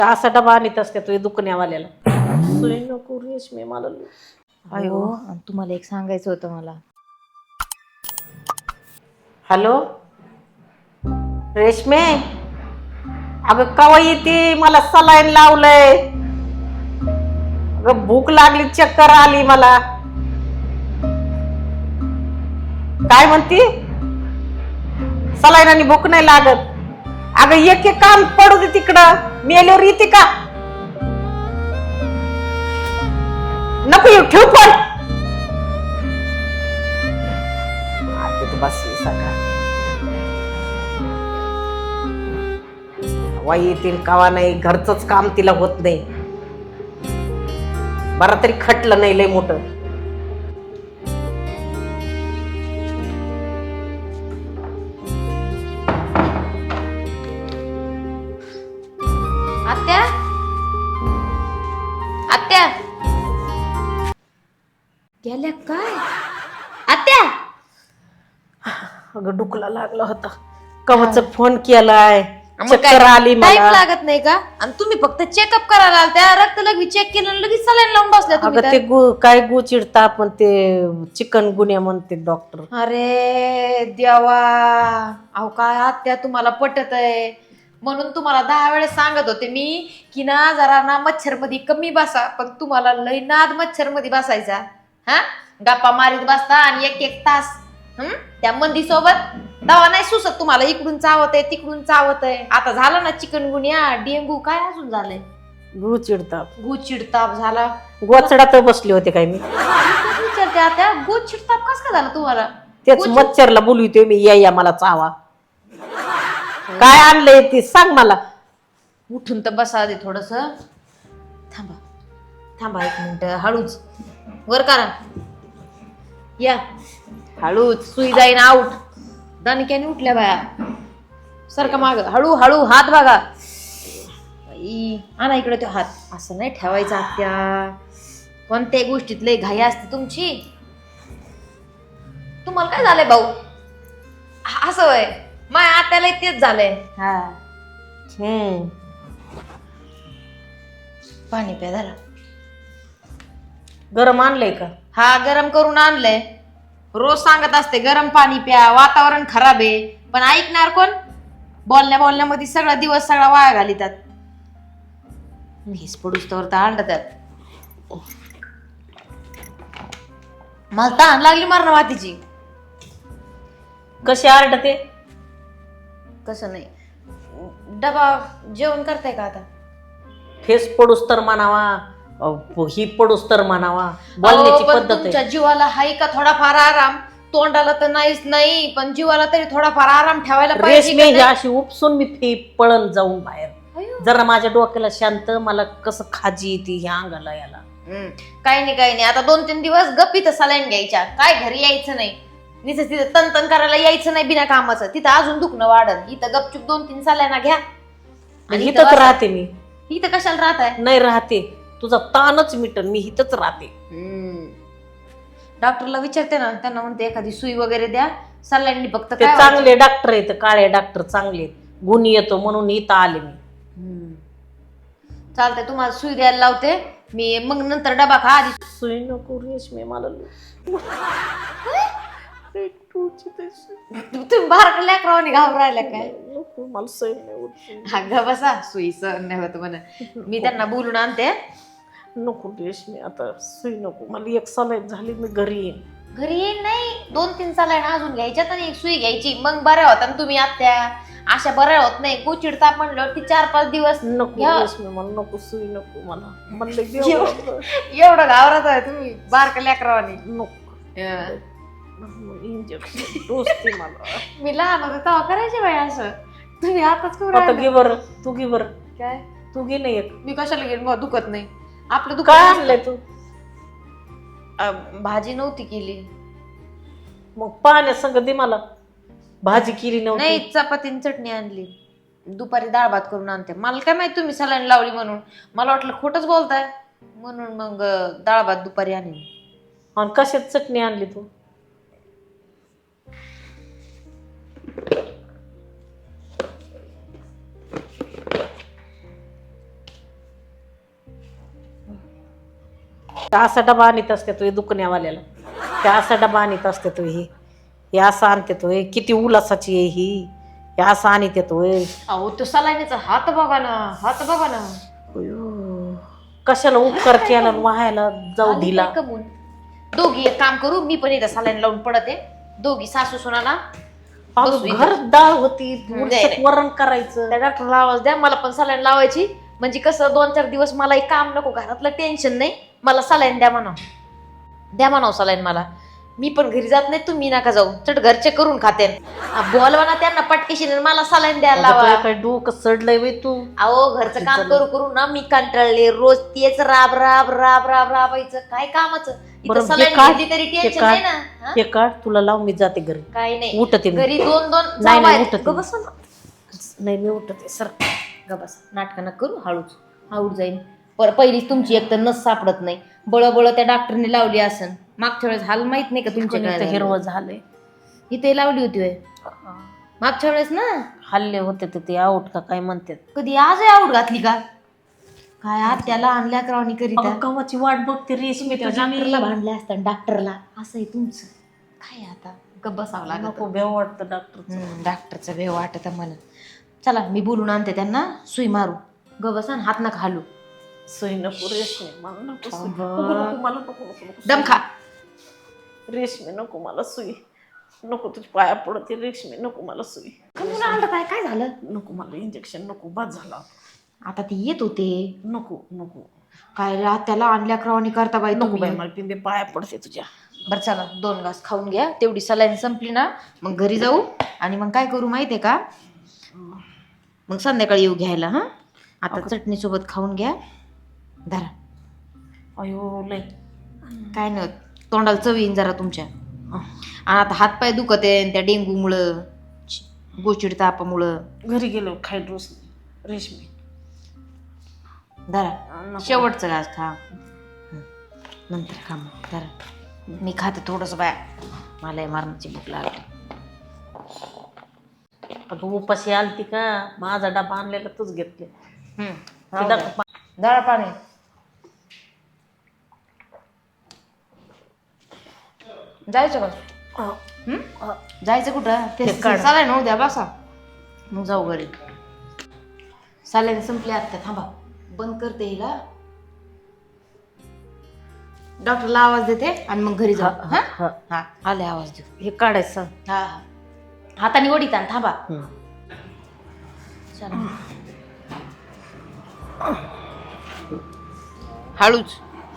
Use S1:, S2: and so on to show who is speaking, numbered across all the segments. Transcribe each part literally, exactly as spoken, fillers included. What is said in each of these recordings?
S1: असा डबा आणत असते तो दुखण्यावाल्याला. सुई नको रेशमी मला.
S2: अयो आणि तुम्हाला एक सांगायचं होतं मला.
S1: हॅलो रेशमे, अगं कवा येते? मला सलाईन लावलंय. अगं भूक लागली, चक्कर आली मला. काय म्हणती? सलाईन आणि भूक नाही लागत. अगं एक एक काम पडू दे तिकडं, मेल्यावर येते का? नको येऊ, ठेव पण. बस सगळं वाई येतील कावा नाही, घरचंच काम तिला होत नाही. बरं तरी खटलं नाही लय मोठं.
S2: आत्या आत्या गेल्या काय? आत्या
S1: अगं डुकला लागला होता, कवच फोन केलाय,
S2: मग
S1: चक्कर
S2: काय
S1: आली
S2: टाइम
S1: मला.
S2: लागत नाही का? आणि तुम्ही फक्त चेकअप करायला आलत्या, रक्त लगेच चेक केलं आणि लगेच सलाईन लावून बसल्या तुम्ही
S1: अगं ते
S2: तर.
S1: गु काय गु चिडता पण ते चिकन गुन्या म्हणते डॉक्टर.
S2: अरे देवा, अहो काय आत्या तुम्हाला पटत आहे म्हणून तुम्हाला दहा वेळेस सांगत होते मी की ना जरा ना मच्छर मध्ये कमी बसा, पण तुम्हाला लय नाद मच्छर मध्ये बसायचा. हा गप्पा मारीत बसता आणि एक एक तास हम्म त्या मंदी सोबत. दवा नाही सुसत तुम्हाला, इकडून चावत आहे तिकडून चावत आहे. आता झालं ना चिकनगुनिया, डेंगू, काय अजून झालंय,
S1: गु चिडता.
S2: गूज चिडताप झाला.
S1: गोचडात बसले होते काय मी.
S2: विचारते आता गूज चिडताप कस का झाला तुम्हाला?
S1: तेच
S2: गूज-
S1: मच्छरला बोलवतोय मी, या या मला चावा. काय आणलंय ते सांग मला.
S2: उठून तर बसा आधी थोडस. थांबा थांबा एक मिनिट, हळूच वर करा. या हळूच, सुई जाईन आऊट. दणक्याने उठल्या बाया, सारखा माग, हळू हळू हात बघा. बाई, आणा इकडे तो हात. असं नाही ठेवायचा आत्या, कोणत्याही गोष्टीत लय घाई असते तुमची. तुम्हाला काय झालंय भाऊ? हा, असं होय, माझ्या आत्याला तेच झालंय. हा
S1: हम्म
S2: पाणी प्या झालं.
S1: गरम आणलंय का?
S2: हा गरम करून आणलंय. रोज सांगत असते गरम पाणी प्या, वातावरण खराब आहे, पण ऐकणार कोण? बोलण्या बोलण्यामध्ये सगळा दिवस सगळा वाया घालितात. हेच पडूस तर आणतात. मला तहान लागली मारण वातीची.
S1: कशी आरडते?
S2: कसं नाही, डबा जेवण करताय का आता?
S1: ठेस पडूस तर म्हणावा, अ, ही पडूस तर म्हणावा, बोलण्याची
S2: अहो, पण
S1: पद्धत आहे.
S2: तुमच्या जीवाला हाय का थोडाफार आराम? तोंडाला तर नाहीच नाही, पण जीवाला तरी थोडाफार आराम ठेवायला पाहिजे
S1: रेशमी
S2: का
S1: ही
S2: नाही?
S1: अशी उपसून मी फी पळण जाऊन बाहेर.
S2: अयो.
S1: जरा माझ्या डोक्याला शांत, मला कसं खाजी येते ह्या अंगाला याला.
S2: हम्म, काही नाही काही नाही. आता दोन तीन दिवस गप्पी तर सलाईन घ्यायच्या, काय घरी यायचं नाही. तिथं तिथं तन तन करायला यायचं नाही बिना कामाचं. तिथं अजून दुखणं वाढत. इथं गपचूप दोन तीन सलाईना घ्या आणि इथं
S1: हिथंच
S2: बसा.
S1: राहते मी.
S2: इथं कशाला राहताय?
S1: नाही राहते, तुझा ताणच मिटन, मी हिथंच राहते.
S2: डॉक्टरला विचारते ना, त्यांना म्हणते एखादी सुई वगैरे द्या. सलाईन फक्त
S1: ते
S2: काय
S1: चांगले डॉक्टर आहेत, काळे डॉक्टर चांगले आहेत, गुण येतो म्हणून इथं आले मी.
S2: हम्म. चालतंय, तुम्हाला सुई द्यायला लावते मी, मग नंतर डबा खा. आधी
S1: सुई नको रेशमी मला.
S2: तुम्ही बाहेर लेकरावाने घाबरायला काय?
S1: नको मला सैन नाही होत.
S2: हा ग बसा, सुई सहन नाही होत म्हणा. मी त्यांना बोलून आणते.
S1: नको रेशमी आता सुई नको मला. एक सलाईन झाली मी घरी येईन.
S2: घरी येईल नाही, दोन तीन सलाईन अजून घ्यायच्यात आणि एक सुई घ्यायची, मग बऱ्या होता ना तुम्ही. आत्या अशा बऱ्या होत नाही. गोचिडता म्हणलं की चार पाच दिवस
S1: नको
S2: घ्या.
S1: रेशमी मला नको सुई नको मला. म्हणलं
S2: एवढं घाबरत आहे तुम्ही बारका लेकरावाने.
S1: नको इंजेक्शन टोचते मला.
S2: मी लहान होते तेव्हा करायचे बाई असं. तुम्ही आताच करू
S1: आता
S2: राहिले.
S1: घे बरं, तू घे बरं.
S2: काय
S1: तू घे नाही एक.
S2: मी कशाला घेईन मग? दुखत नाही आपलं. दुखत
S1: काय
S2: नसतं.
S1: आणलंय तू?
S2: अं, भाजी नव्हती केली.
S1: मग पाण्या संग दे मला. भाजी केली नव्हती.
S2: नाही, चपाती आणि चटणी आणली. दुपारी डाळ भात करून आणते. मला काय माहिती तुम्ही सलाईन लावली म्हणून. मला वाटलं खोटच बोलताय म्हणून मग डाळ भात दुपारी आणली.
S1: आणि कशात चटणी आणली तू? त्या असा डबा आणत असते तो दुखण्यावाल्याला, त्या असा डबा आणत असते तो ही हे असं आणते तो किती उलासाची आहे ही, हे असं आणत येतोय.
S2: अहो तो सलाईनीचा हात बघा ना, हात बघा ना.
S1: अयो, कशाला उपकार केला व्हायला जाऊ दिला.
S2: कमून दोघी एक काम करू, मी पण इथं सलाईन लावून पडते, दोघी सासू सुनाना
S1: घर डाळ होती, वरण करायचं.
S2: त्या डॉक्टरला आवाज द्या, मला पण सलाईन लावायची, म्हणजे कसं दोन चार दिवस मला एक काम नको, घरातलं टेन्शन नाही, मला सलाईन द्या म्हणाव, द्या म्हणाव सलाईन मला. मी पण घरी जात नाही, तुम्ही नका जाऊ, चट घरचे करून खाते. बोलवा ना त्यांना पटकेशी, मला सलाईन द्यायला लावा.
S1: काय डोकं सडलंय बाई तू.
S2: अहो घरचं काम करू करू ना मी कंटाळले, रोज तेच राब राब राब राब राबायचं, काय कामाचं. इथं सलाईन घेतली तरी टेन्शन नाही ना.
S1: हे काढ तुला लावून मी जाते घरी.
S2: काय नाही
S1: उठते
S2: घरी दोन दोन
S1: नाही नाही उठते
S2: गबस
S1: नाही मी उठते सर.
S2: गबस नाटक न करू, हळूच हळूच जाईल. पर पहिलीच तुमची एक तर नस सापडत नाही, बळबळ त्या डॉक्टरने लावली असन. मागच्या वेळेस हाल माहित नाही का तुमच्या,
S1: हिरवं झालंय
S2: इथे लावली होती होय मागच्या वेळेस ना.
S1: हल्ले होते तर ते आऊट का काय म्हणतात.
S2: कधी आज आऊट घातली का काय, आज त्याला आणल्या करावणी करीता
S1: कवाची वाट बघते रेशमी.
S2: डॉक्टरला भांडले असतात डॉक्टरला, असं आहे तुमचं. काय आता गप बसावं लागत.
S1: नको भेव वाटतं डॉक्टर.
S2: डॉक्टरचं भेव वाटत मला. चला मी बोलून आणते त्यांना, सुई मारू. ग बसा हात नका हालू.
S1: सुई नको रेशमी, मला नको सुई. नको नको मला नको नको नको
S2: दम खा
S1: रेशमी, नको मला सुई नको, तुझी पाया पडते रेशमी, नको मला सुई.
S2: काय काय झालं,
S1: नको मला इंजेक्शन नको, बाद झाला
S2: आता ते येत होते.
S1: नको नको
S2: काय रे त्याला आणल्या क्रवानी करता बाई.
S1: नको बाई मला पिंबे पाया पडते तुझ्या.
S2: बरं चला दोन घास खाऊन घ्या, तेवढी सलाईन संपली ना मग घरी जाऊ, आणि मग काय करू माहितीये का, मग संध्याकाळी येऊ घ्यायला. हा आता चटणी सोबत खाऊन घ्या, धरा.
S1: अयो लय
S2: काय नाही तोंडाला चव येईन जरा तुमच्या. आणि आता हातपाय दुखत आहे त्या डेंगूमुळं, गोचिड तापामुळं.
S1: घरी गेलो खाय रोज रेशमी.
S2: धरा शेवटचं घास खा, नंतर खा मग. धरा मी खाते थोडस बाया, मला मारण्याची भूक लागली.
S1: अगं उपाशी आलती का, माझा डबा आणलेला तूच घेतले.
S2: धरा पाणी. जायचं का, जायचं कुठं, ते चालाय ना उद्या बसा, मग जाऊ घरी. साल्याने संपले आता, थांबा बंद करते हिला, डॉक्टरला आवाज देते आणि मग घरी जाऊ. हा हा आले आवाज देऊ.
S1: हे काढायचं.
S2: हा हा हाताने ओढीत आण, थांबा. चला हळूच.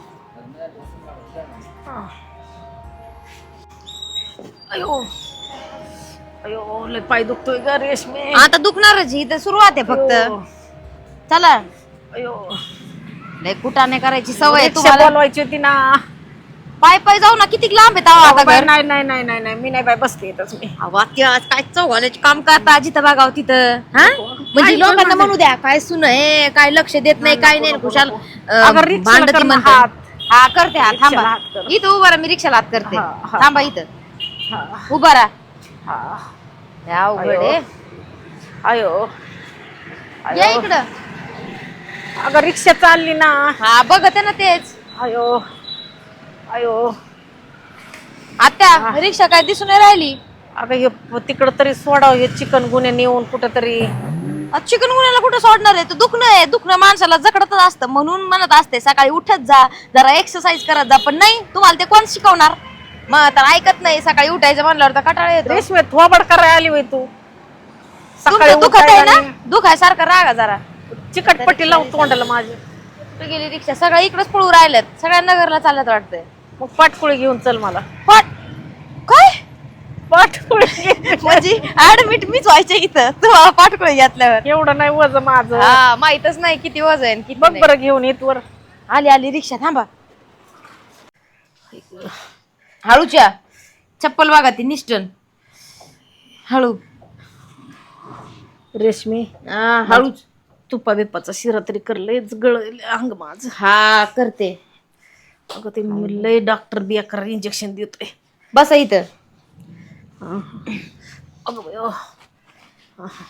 S1: अयो अयो लय पाय दुखतोय ग रेशमी.
S2: आता दुखणारच, ही तर सुरुवात आहे फक्त. चला
S1: अयो
S2: लय कुटाने करायची सवय
S1: रिक्षा
S2: तुम्हाला.
S1: बोलवायची होती ना.
S2: पाय पाय जाऊ ना, किती लांब आहे आता घर.
S1: नाही नाही नाही नाही नाही मी नाही बाय बसते येतच मी.
S2: वाक्य काय चौघाल्याचे काम करता जिथं बघाव तिथं. हा म्हणजे लोकांना म्हणू द्या काय सुन आहे, काय लक्ष देत नाही, काय नाही, खुशाल भांडती म्हणते. हा करते, हा थांबा इथं उभा राहा, मी रिक्षाला हात करते. थांबा इथं उभा राहा. अवघड आहे.
S1: अयो
S2: या इकडं.
S1: अगं रिक्षा चालली ना.
S2: हा बघते ना तेच.
S1: अयो अयो
S2: आता रिक्षा काय दिसून नाही राहिली.
S1: अगं हे तिकडं तरी सोडाव, हे चिकन गुन्हे नेऊन कुठं तरी.
S2: चिकन गुन्ह्याला कुठं सोडणार आहे, तर दुखणं आहे, दुखणं माणसाला जकडतच असतं. म्हणून म्हणत असते सकाळी उठत जा, जरा एक्सरसाइज करत जा, पण नाही तुम्हाला ते कोण शिकवणार. मग तर ऐकत नाही, सकाळी उठायचं म्हणल्यावर तर कंटाळा येतो.
S1: रेशमी थोबड करायला आली होय तू.
S2: सकाळी दुखत आहे ना, दुखाय सारखं रागा जरा.
S1: चिकटपट्टी लावून तोंडाला माझी.
S2: कुठे गेली रिक्षा, सगळ्या इकडेच पळू राहिल्यात, सगळ्या नगरला चालत वाटतंय.
S1: मग पाटकुळी घेऊन चल मला.
S2: पाट काय
S1: पाटकुळी
S2: म्हणजे ऍडमिट मीच व्हायचे इथं, तुम्हाला पाटकुळी घातल्यावर.
S1: एवढं नाही वजन माझं.
S2: हा माहितच नाही किती वजन आहे किती
S1: बघ
S2: नाही.
S1: बरं घेऊन येत वर.
S2: आली आली रिक्षा, थांबा. हळूच्या चप्पल बघा ती निष्ठन. हळू
S1: रेशमी
S2: हळूच.
S1: तुपा बिपाचा शिरा तरी कर, लयच गळ अंग माझ.
S2: हा करते.
S1: अगं ते लय डॉक्टर बेकार इंजेक्शन देतोय.
S2: बसा इथं.
S1: अगं बाई, अह.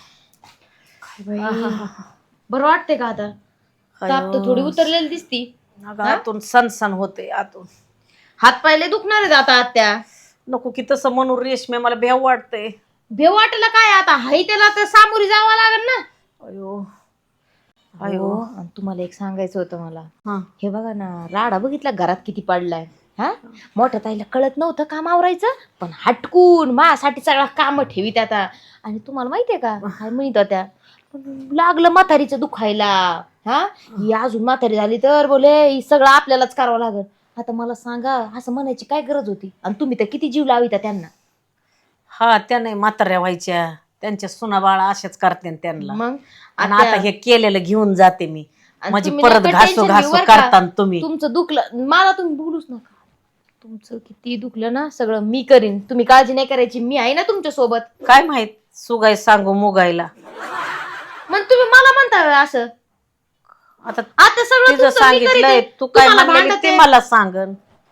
S2: काय बाई, बरं वाटते का आता. ताप तर थोडी उतरलेली दिसती.
S1: अगं आतून सनसन होते आतून.
S2: हात पायले दुखणार आहेत आता आत्या.
S1: नको की तसं म्हणून रेशमे मला भ्याव वाटतंय.
S2: भेव वाटेला काय आता हाय त्याला तर सामोरी जावं लागेल ना.
S1: अयो
S2: अयो आणि तुम्हाला एक सांगायचं होतं मला.
S1: हा
S2: हे बघा ना राडा बघितला घरात किती पडलाय. हा मोठ्या ताईला कळत नव्हतं काम आवरायचं पण हटकून माझ्यासाठी सगळा काम ठेवीत आता. आणि तुम्हाला माहितीये का काय म्हणत होत्या लागलं म्हातारीचं दुखायला. हा ही अजून म्हातारी झाली तर बोले ही सगळं आपल्यालाच करावं लागल. आता मला सांगा असं म्हणायची काय गरज होती आणि तुम्ही तर किती जीव लाविता त्यांना.
S1: हा त्या नाही म्हाताऱ्या व्हायच्या त्यांच्या सुना बाळा अशाच करते त्यांना.
S2: मग
S1: आणि आता हे केलेलं घेऊन जाते मी
S2: आणि
S1: म्हणजे
S2: तुम्ही
S1: परत
S2: नका
S1: घासू
S2: tension
S1: घासू
S2: घेऊ बरं का.
S1: करता तुम्ही.
S2: तुमचं दुखलं मला तुम्ही बोलूच नका. तुमचं किती दुखलं ना सगळं मी करीन तुम्ही काळजी नाही करायची मी आहे ना तुमच्या सोबत.
S1: काय माहित सुगाय सांगू मुगायला.
S2: मग तुम्ही मला म्हणता असं
S1: आता
S2: आता सगळं
S1: तिचं
S2: तुमचं मी
S1: सांगितलंय
S2: करीते.
S1: तू काय
S2: तुम्हाला
S1: म्हणलेली
S2: भांडते.
S1: ते मला सांगन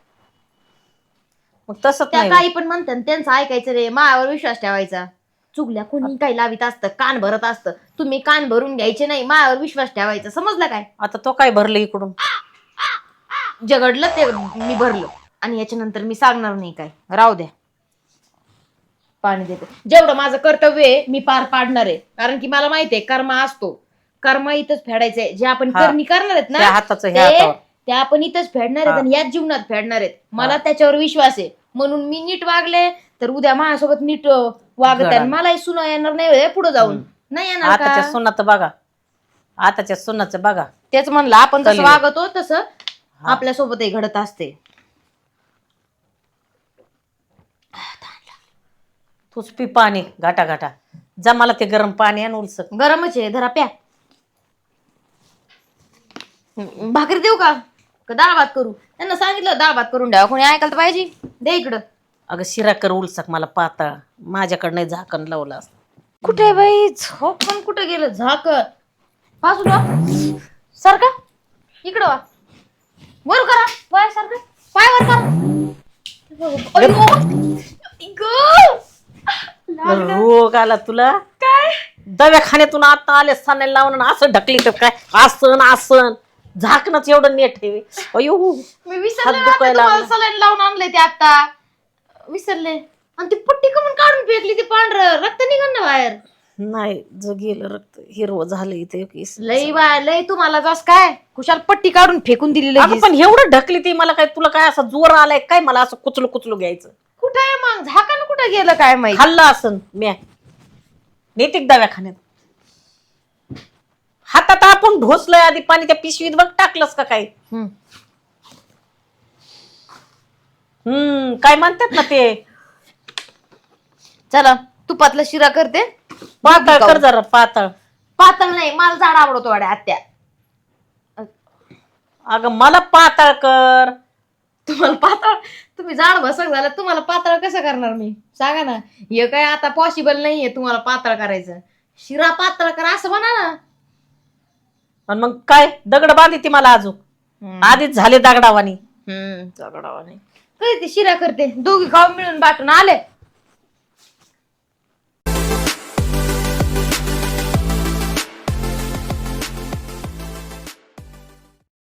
S1: मग तसंच
S2: त्या
S1: नाही.
S2: काही पण म्हणतात त्यांचं ऐकायचं रे माझ्यावर विश्वास ठेवायचा. चुकल्या कोणी काही लावित असतं कान भरत असतं तुम्ही कान भरून घ्यायचे नाही माझ्यावर विश्वास ठेवायचा समजलं काय.
S1: आता तो काय भरलं इकडून.
S2: जगडलं ते मी भरलं आणि याच्यानंतर मी सांगणार नाही काय राहू द्या. पाणी देते जेवढं माझं कर्तव्य आहे मी पार पाडणार आहे कारण की मला माहितीये कर्म असतो. कर्म इथंच फेडायचंय जे आपण
S1: हा.
S2: करणी करणार आहेत
S1: त्या
S2: ना
S1: हाताचं
S2: ते
S1: ह्या हातावर.
S2: ते आपण इथंच फेडणार आहेत
S1: हा.
S2: आणि याच जीवनात फेडणार आहेत. मला
S1: हा.
S2: त्याच्यावर विश्वास आहे म्हणून मी नीट वागले तर उद्या माझ्यासोबत नीट अं, वागत आहे.
S1: घडा.
S2: मलाही सुना येणार नाही पुढे जाऊन
S1: हम्म.
S2: नाही येणार
S1: आताच्या
S2: का.
S1: सुनाचं बघा आताच्या सुनाचं बघा.
S2: तेच म्हणलं आपण जसं
S1: कलियुग.
S2: वागतो तसं आपल्या सोबतही घडत असते.
S1: तूच पी पाणी घाटा घाटा जा मला ते गरम पाणी आण उलसक.
S2: गरमच आहे धरा प्या. हम्म, भाकरी देऊ का का डाळ भात करू. त्यांना सांगितलं डाळ भात करून द्यावा कोणी ऐकायला तर पाहिजे. दे इकडं.
S1: अगं शिरा कर उलसक मला पातळ माझ्याकडं नाही झाकण लावलं असं.
S2: कुठे बाई झोप पण कुठे गेलं झाकण. पासून वा सारखा इकडं वा वर करा पाय सारखं पाय वर करा. अय्यो. इगं. लागलं.
S1: रोग आला तुला
S2: काय
S1: दवाखान्यातून आता आले सणाला लावून आणि असं ढकली तर काय आसन आसन झाकणच एवढं नेट ठेवे. अयो
S2: मी विसरले
S1: हात
S2: ना,
S1: दुखायला
S2: तुम्हाला
S1: लागला.
S2: सलाईन लावून आणले ते आता विसरले. आणि ती पट्टी कमून काढून फेकली ती पांढरं रक्त निघण ना बाहेर.
S1: नाही ज गेलं रक्त हिरवं झालं इथे केस.
S2: लई बाय लई तुम्हाला जास काय कुशाल पट्टी काढून फेकून दिली
S1: अगं
S2: लगेच.
S1: पण एवढं ढकली ती मला काय तुला काय असं जोर आलाय काय मला असं कुचलू कुचलू घ्यायचं.
S2: कुठे आहे मग झाकण कुठे गेलं काय माहित.
S1: खाल्लं असन म्या नेतिक दवाखान्यात हातात आपण ढोसलंय आधी पाणी त्या पिशवीत बघ टाकलंस का काय.
S2: हम्म.
S1: हम्म काय म्हणतात ना ते
S2: चला तुपातला शिरा करते.
S1: पातळ कर जरा पातळ.
S2: पातळ नाही मला जाड आवडतो वाड्या आत्या.
S1: अगं मला पातळ कर.
S2: तुम्हाला पातळ तुम्ही जाड भसक झाला तुम्हाला पातळ कसं करणार मी सांगा ना. हे काय आता पॉसिबल नाहीये तुम्हाला पातळ करायचं. शिरा पातळ करा असं म्हणा ना.
S1: आणि मग काय दगड बांधी ती मला अजून आधीच झाले दगडावानी.
S2: हम्म दगडावानी कधी ती शिरा करते दोघी गाव मिळून बाटून आले